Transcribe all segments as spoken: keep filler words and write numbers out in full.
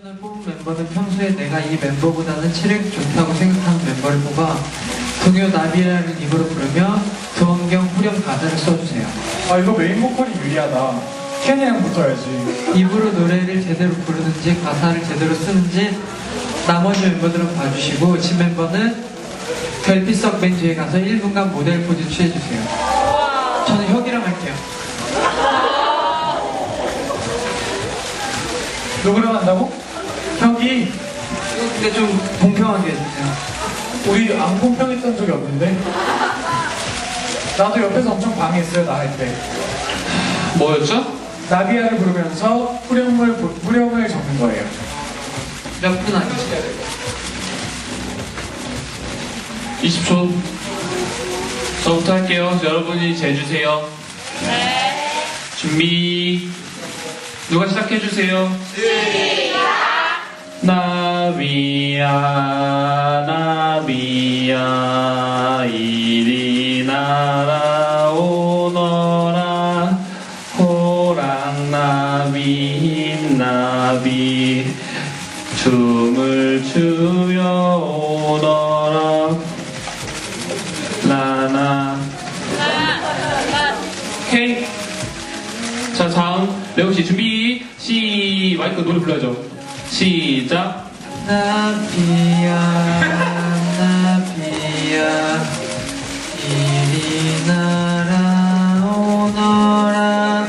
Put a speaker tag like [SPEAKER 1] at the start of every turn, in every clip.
[SPEAKER 1] 오늘 뽑은 멤버는 평소에 내가 이 멤버보다는 체력이 좋다고 생각하는 멤버를 뽑아 동요 나비라는 입으로 부르며 두원경 후렴 가사를 써주세요.
[SPEAKER 2] 아 이거 메인 보컬이 유리하다. 캔이랑 붙어야지.
[SPEAKER 1] 입으로 노래를 제대로 부르는지 가사를 제대로 쓰는지 나머지 멤버들은 봐주시고 진 멤버는 별빛석 맨 뒤에 가서 일 분간 모델 포즈 취해주세요. 저는 혁이랑 할게요.
[SPEAKER 2] 누구랑 한다고? 혁이.
[SPEAKER 1] 이거 근데 좀 공평하게 해주세요.
[SPEAKER 2] 우리 안 공평했던 적이 없는데. 나도 옆에서 엄청 방해했어요 나 할 때.
[SPEAKER 3] 뭐였죠?
[SPEAKER 2] 나비야를 부르면서 후렴을 부- 후렴을 적는 거예요.
[SPEAKER 1] 몇 분 아니지?
[SPEAKER 3] 이십 초. 저부터 할게요. 여러분이 재주세요. 네. 준비. 누가 시작해주세요. 시작! 나비야, 나비야, 이리 날아오너라. 호랑나비, 나비, 춤을 추며 오너라. 나나. 오케이. 자, 다음 레오씨 준비. 시 마이크 노래 불러야죠. 시작.
[SPEAKER 1] 나비야 나비야 이리 날아오너라.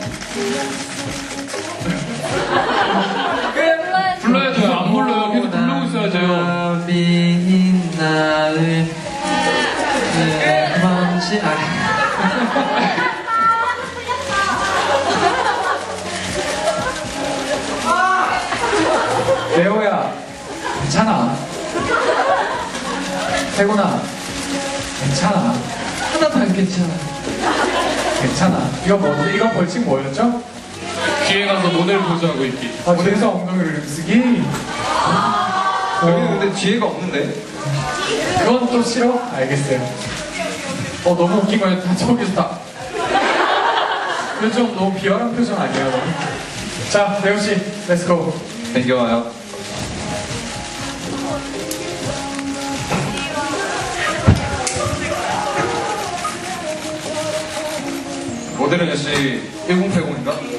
[SPEAKER 3] 불러야죠. 안 불러요. 계속 부르고 있어야죠.
[SPEAKER 1] 나비인 나을 먼지 아
[SPEAKER 2] 레오야 괜찮아. 태곤아 괜찮아.
[SPEAKER 1] 하나도 안 괜찮아.
[SPEAKER 2] 괜찮아. 이거 뭐지? 이거 벌칙 뭐였죠?
[SPEAKER 3] 뒤에 가서 모델 포즈하고 있기.
[SPEAKER 2] 아 뒤에서 엉덩이를 쓰기.
[SPEAKER 4] 여기는 근데 뒤에가 없는데?
[SPEAKER 2] 그건 또 싫어? 알겠어요. 어 너무 웃긴 거야. 다 저기서 다. 이거 좀 너무 비열한 표정 아니야? 너무? 자 레오 씨, 렛츠고.
[SPEAKER 4] 땡겨와요. 모델은 역시 천팔십인가?